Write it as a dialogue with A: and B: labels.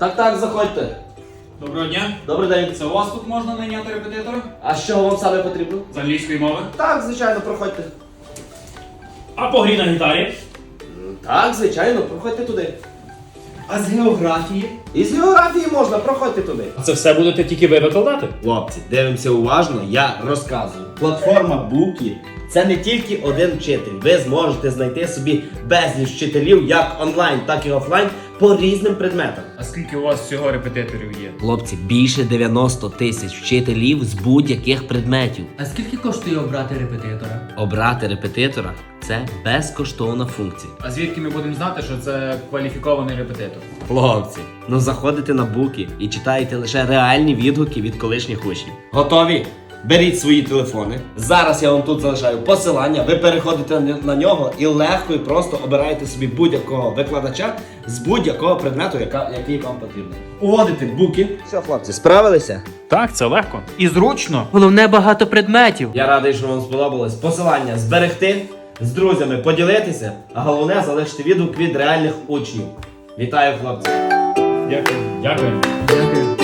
A: Так, заходьте.
B: Доброго дня.
A: Добрий день.
B: Це у вас тут можна найняти репетитора?
A: А що вам саме потрібно?
B: З англійської мови.
A: Так, звичайно, проходьте.
B: А по грі на гітарі?
A: Так, звичайно, проходьте туди.
B: А з географії?
A: І з географії можна, проходьте туди.
B: Це все будете тільки ви викладати?
A: Хлопці, дивимося уважно, я розказую. Платформа Букі – це не тільки один вчитель. Ви зможете знайти собі безліч вчителів як онлайн, так і офлайн по різним предметам.
B: А скільки у вас всього репетиторів є?
A: Хлопці, більше 90 тисяч вчителів з будь-яких предметів.
C: А скільки коштує обрати репетитора?
A: Обрати репетитора – це безкоштовна функція.
B: А звідки ми будемо знати, що це кваліфікований репетитор?
A: Хлопці, ну заходите на Буки і читаєте лише реальні відгуки від колишніх учнів. Готові? Беріть свої телефони. Зараз я вам тут залишаю посилання. Ви переходите на нього і легко і просто обираєте собі будь-якого викладача з будь-якого предмету, який вам потрібен. Уводите Буки. Все, хлопці, справилися?
B: Так, це легко. І зручно.
C: Головне, багато предметів.
A: Я радий, що вам сподобалось. Посилання зберегти, з друзями поділитися, а головне залишити відгук від реальних учнів. Вітаю, хлопці!
B: Дякую. Дякую.
C: Дякую.